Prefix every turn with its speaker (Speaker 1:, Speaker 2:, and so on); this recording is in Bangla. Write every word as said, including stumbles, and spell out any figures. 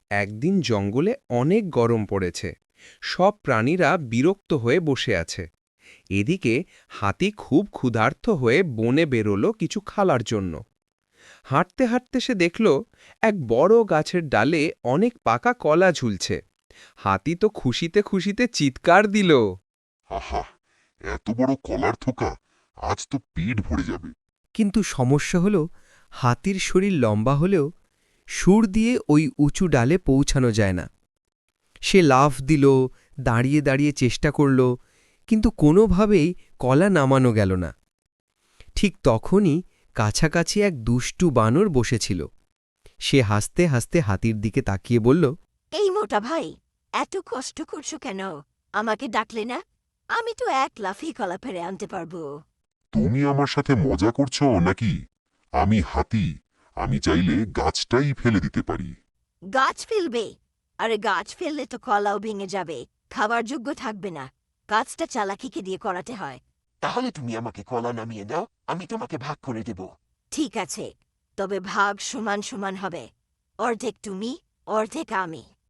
Speaker 1: একদিন জঙ্গলে অনেক গরম পড়েছে। সব প্রাণীরা বিরক্ত হয়ে বসে আছে। এদিকে হাতি খুব ক্ষুধার্ত হয়ে বনে বেরোলো কিছু খাওয়ার জন্য। হাঁটতে হাঁটতে সে দেখল এক বড় গাছের ডালে অনেক পাকা কলা ঝুলছে। হাতি তো খুশিতে খুশিতে চিৎকার দিল।
Speaker 2: আহা, এত বড় কলার থোকা! আজ তো পেট ভরে যাবে।
Speaker 3: কিন্তু সমস্যা হলো হাতির শরীর লম্বা হলেও সুর দিয়ে ওই উঁচু ডালে পৌঁছানো যায় না। সে লাফ দিল, দাঁড়িয়ে দাঁড়িয়ে চেষ্টা করল, কিন্তু কোনোভাবেই কলা নামানো গেল না। ঠিক তখনই কাছাকাছি এক দুষ্টু বানর বসেছিল। সে হাসতে হাসতে হাতির দিকে তাকিয়ে বলল,
Speaker 4: এই মোটা ভাই, এত কষ্ট করছো কেন? আমাকে ডাকলে না? আমি তো এক লাফি কলা ফেরে আনতে পারবো।
Speaker 2: তুমি আমার সাথে মজা করছো নাকি? আমি হাতি, আমি চাইলে গাছটাই ফেলে দিতে পারি।
Speaker 4: গাছ ফেলবে? আরে গাছ ফেললে তো কলাও ভেঙে যাবে, খাবার যোগ্য থাকবে না। গাছটা চালাকিকে দিয়ে করাতে হয়।
Speaker 5: তাহলে তুমি আমাকে কলা নামিয়ে দাও, আমি তোমাকে ভাগ করে দেব।
Speaker 4: ঠিক আছে, তবে ভাগ সমান সমান হবে। অর্ধেক তুমি, অর্ধেক আমি।